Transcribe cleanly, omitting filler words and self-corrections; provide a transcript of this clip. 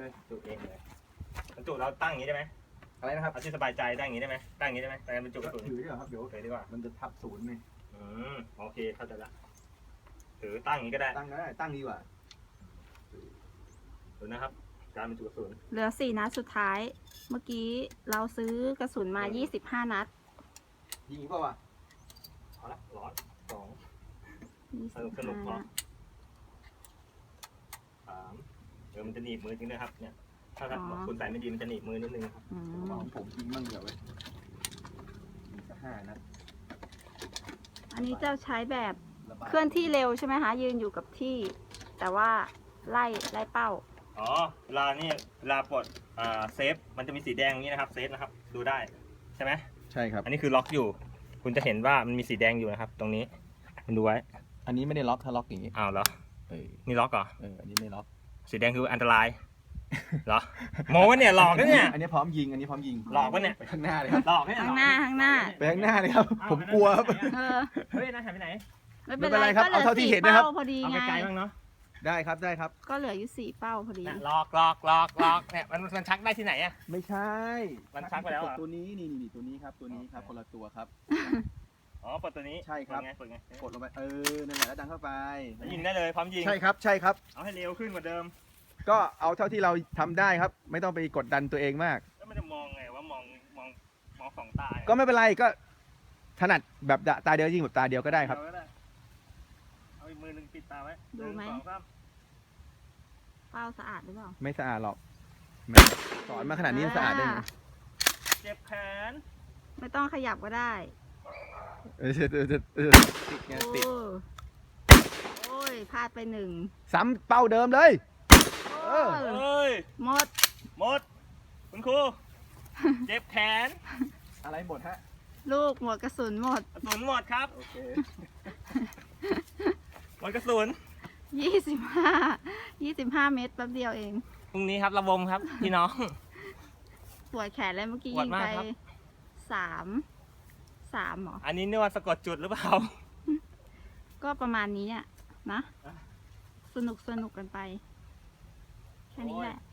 จุเองเลยบรรจุเราตั้งอย่างนี้ได้ไหมอะไรนะครับเอาที่สบายใจตั้งอย่างนี้ได้ไหมตั้งอย่างนี้ได้ไหมแต่บรรจุกระสุนถือดีกว่าครับเดี๋ยวถือดีกว่ามันจะทับศูนย์ไงโอเคเข้าใจละถือตั้งอย่างนี้ก็ได้ตั้งก็ได้ตั้งดีกว่าดูนะครับการบรรจุกระสุนเหลือ4 นัดสุดท้าย เมื่อกี้เราซื้อกระสุนมา25 นัดยิงเปล่าวะเอาละร้อนสอง 25 สนุกพอนัดสามมันจะหนีบมือจริงนะครับเนี่ยถ้าคุณใส่ไม่ดีมันจะหนีบมือนิดนึงครับอืมของผมยิงมั่งเดี๋ยวไว้มีสัก5 นัดอันนี้จะใช้แบบระบายเคลื่อนที่เร็วใช่ไหมคะ ยืนอยู่กับที่ แต่ว่าไล่เป้าอ๋อเวลานี่เวลาปลดเซฟมันจะมีสีแดงอย่างนี้นะครับเซฟนะครับดูได้ใช่ไหมใช่ครับอันนี้คือล็อกอยู่ คุณจะเห็นว่ามันมีสีแดงอยู่นะครับ ตรงนี้คุณดูไว้อันนี้ไม่ได้ล็อกถ้าล็อกอย่างนี้อ้าวเหรอเออนี่ล็อกเหรออันนี้ไม่ล็อกสีแดงคืออันตราย เหรอโมวะเนี่ยหลอกนะเนี่ยอันนี้พร้อมยิง อันนี้พร้อมยิงหลอกปะเนี่ยไปข้างหน้าเลยครับหลอกเนี่ยข้างหน้าไปข้างหน้าเลยครับ ผมกลัวครับเออเฮ้ยนะหายไปไหนไม่เป็นไม่เป็นไรไรครับก็เหลืเอาเท่าที่เห็นนะครับ 4 เป้าพอดีเอาไงไกลๆบ้างเนาะได้ครับได้ครับก็เหลืออยู่4 เป้าพอดีเนี่ยหลอกเนี่ยมันชักได้ที่ไหนอะไม่ใช่มันชักไปแล้วเหรอตัวนี้นี่ตัวนี้ครับตัวนี้ครับคนละตัวครับอ๋อปลดตัวนี้ใช่ครับเปิดไงกดลงไปนั่นแหละแล้วดันเข้าไปแล้วยิงได้เลยพร้อมยิงใช่ครับใช่ครับเอาให้เร็วขึ้นกว่าเดิมก็เอาเท่าที่เราทำได้ครับ ไม่ต้องไปกดดันตัวเองมากแล้วมันจะมองไงว่ามองสองตาก็ไม่เป็นไรก็ถนัดแบบตาเดียวยิงแบบตาเดียวก็ได้ครับเอาอีกมือหนึ่งปิดตาไว้ดูไหม 1 2 3 เป้าสะอาดหรือเปล่าไม่สะอาดหรอกแม่สอนมาขนาดนี้ยังสะอาดได้ไงเจ็บแขนไม่ต้องขยับก็ได้ติดไงติดโอ้ยพลาดไป1 ซ้ำเป้าเดิมเลย เออเฮ้ยหมดหมดคุณครูเจ็บแขนอะไรหมดฮะลูกหมดกระสุนหมดกระสุนหมดครับโอเคหมดกระสุน 25 เม็ดแป๊บเดียวเองพรุ่งนี้ครับระบมครับพี่น้องปวดแขนเลยเมื่อกี้ปวดยิงมากไปครับ 3 เหรออันนี้นึกว่าสะกดจุดหรือเปล่าก็ประมาณนี้อ่ะนะ สนุกกันไป แค่นี้แหละ